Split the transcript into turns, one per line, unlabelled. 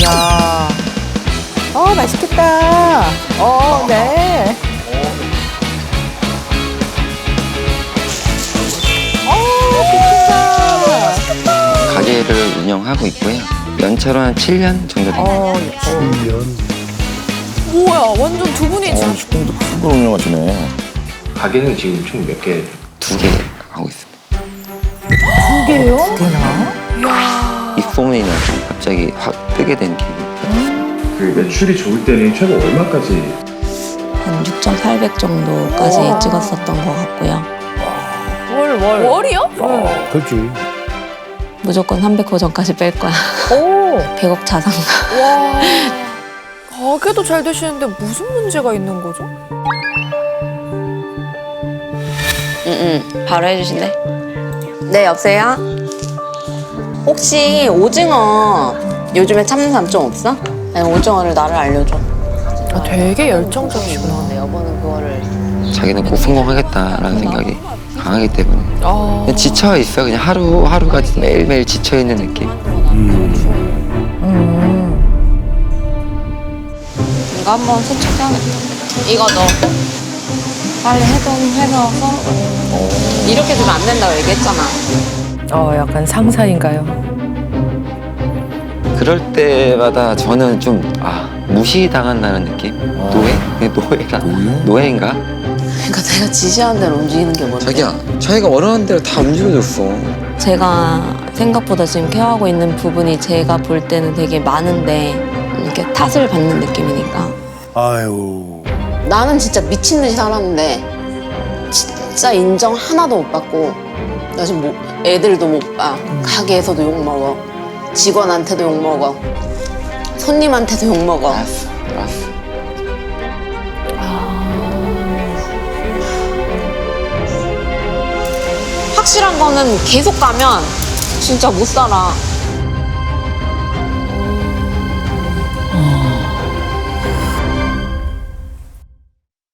야. 맛있겠다. 네. 맛있겠다.
가게를 운영하고 있고요. 연차로 한 7년 정도 됩니다.
7년.
뭐야, 완전 두 분이 참.
식당도 큰 걸 운영하시네.
가게는 지금 총 몇 개?
2개 하고 있습니다.
두 개요?
이 소문이 나서 갑자기 확 뜨게 된 계기.
그 매출이 좋을 때는 최고 얼마까지?
한 6,800 정도까지 찍었었던 것 같고요.
월이요?
그렇지.
무조건 300호 전까지 뺄 거야.
오.
100억 자산가.
와. 가게도 잘 되시는데 무슨 문제가 있는 거죠?
바로 해주신대. 네, 여보세요? 혹시 오징어 요즘에 참는 사람 좀 없어? 아니, 오징어를 나를 알려줘.
되게 열정적이시구나.
내 여보는 그거를.
자기는 꼭 성공하겠다라는 생각이 강하기 때문에
아.
그냥 지쳐 있어. 그냥 하루하루가 매일매일 지쳐 있는 느낌.
이거 한번 세척해야겠다. 이거 너 빨리 해서 썰어. 이렇게 주면 안 된다고 얘기했잖아.
약간 상사인가요?
그럴 때마다 저는 좀 무시당한다는 느낌? 노예? 그냥 노예인가?
그러니까 내가 지시하는 대로 움직이는 게 뭔데?
자기가 원하는 대로 다 움직여줬어.
제가 생각보다 지금 케어하고 있는 부분이 제가 볼 때는 되게 많은데 이렇게 탓을 받는 느낌이니까.
아유.
나는 진짜 미친 듯이 살았는데 진짜 인정 하나도 못 받고 나 지금 애들도 못 봐. 가게에서도 욕 먹어. 직원한테도 욕 먹어. 손님한테도 욕 먹어.
알았어.
확실한 거는 계속 가면 진짜 못 살아.